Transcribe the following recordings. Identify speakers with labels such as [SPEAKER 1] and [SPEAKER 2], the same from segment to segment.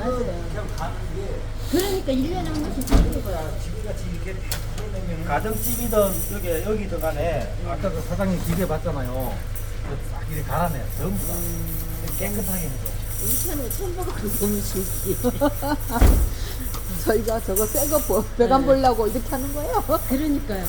[SPEAKER 1] 맞아요.
[SPEAKER 2] 그냥 가는 게
[SPEAKER 1] 그러니까 1년에 한 번씩 생기는 거야.
[SPEAKER 2] 거야. 지금같이 이렇게 다 풀어내면 가정집이든 여기든 간에 아까 그 사장님 기계 봤잖아요. 싹 이렇게 갈아내요. 전부 다. 깨끗하게 해줘.
[SPEAKER 1] 이렇게 하는 거 처음 봐가지고 너무 신기해.
[SPEAKER 3] 저희가 저거 새거 배관 보려고 이렇게 하는 거예요.
[SPEAKER 1] 그러니까요.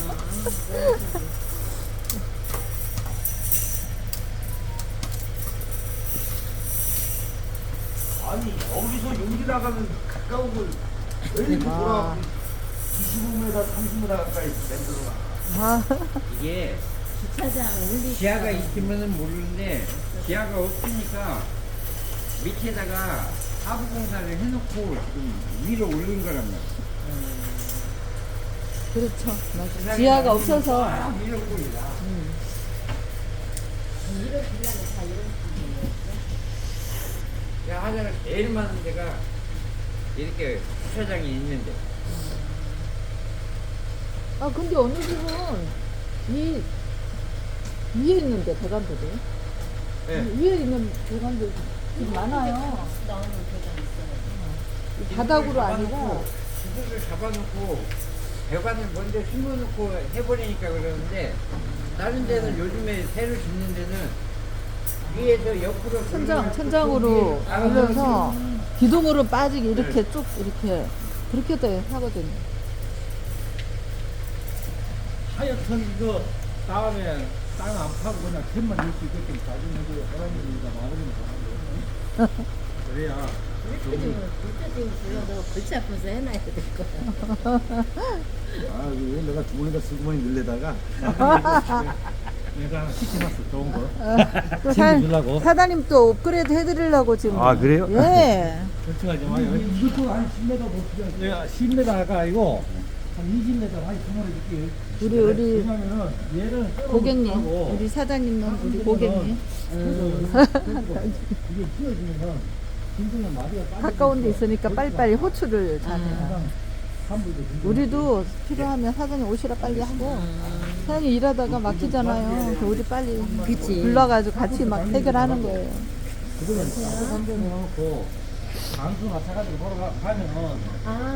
[SPEAKER 2] 아니 여기서 여기 나가면 가까운 걸 왜 이렇게
[SPEAKER 3] 아.
[SPEAKER 2] 돌아가고 25m, 30m 가까이 만들어놔.
[SPEAKER 3] 아,
[SPEAKER 4] 이게
[SPEAKER 1] 주차장 올리
[SPEAKER 4] 지하가 있으면은 모르는데 지하가 없으니까 밑에다가 하부 공사를 해놓고 지금 위로 올린 거란 말이야.
[SPEAKER 3] 그렇죠. 맞아. 지하가 없어서.
[SPEAKER 4] 아, 위로 올리라.
[SPEAKER 1] 이런 빌라는 다 이런 식이에요.
[SPEAKER 4] 야, 하자가 제일 많은 데가 이렇게 주차장이 있는데.
[SPEAKER 3] 아, 근데 어느 집은 이 위에 있는데 배관들이.
[SPEAKER 4] 네.
[SPEAKER 3] 위에 있는 배관들 좀 많아요.
[SPEAKER 1] 나오는 배관 있어요.
[SPEAKER 3] 이 바닥으로 아니라.
[SPEAKER 4] 기둥을 잡아놓고 배관을 먼저 심어놓고 해버리니까 그러는데 다른 데는 요즘에 새로 짓는 데는 위에서 옆으로
[SPEAKER 3] 천장으로 올려서 기둥으로 빠지게 이렇게 쭉 이렇게 그렇게도 하거든요.
[SPEAKER 2] 하여튼 이거 다음에 땅 안 파고 그냥 캔만 넣을 수 있게끔 나중에 사람들이니까 마무리는 하는 거 그래야
[SPEAKER 1] 불타지면 불러도 골치 아파서 해놔야 될 거야.
[SPEAKER 2] 아 이거 내가 주머니에다 쓰고만 늘려다가 내가 하나 시켜놨어 좋은 거
[SPEAKER 3] 또
[SPEAKER 2] 챙겨주려고.
[SPEAKER 3] 사장님 또 업그레이드 해드리려고 지금.
[SPEAKER 2] 아, 그래요?
[SPEAKER 3] 예.
[SPEAKER 2] 걱정하지 마요 이것도 한 10m 못 주잖아 10m가 아니고 한 20m 많이 주머니 줄게
[SPEAKER 3] 우리
[SPEAKER 2] 왜냐면은 얘를
[SPEAKER 3] 고객님,
[SPEAKER 2] 하고
[SPEAKER 3] 우리 사장님은 우리 고객님.
[SPEAKER 2] 이게 휘어지면은 힘들면 마디가 빠져
[SPEAKER 3] 가까운 데 있으니까 빨리빨리 호출을 잘해요. 우리도 필요하면 사장님 오시라 빨리 하고 사장님 일하다가 막히잖아요. 그래서 우리 빨리
[SPEAKER 1] 그치.
[SPEAKER 3] 불러가지고 같이 막 해결하는 거예요.
[SPEAKER 2] 그거는 따뜻한 데 넣어놓고 방수 맞춰가지고 걸어가면은
[SPEAKER 1] 아.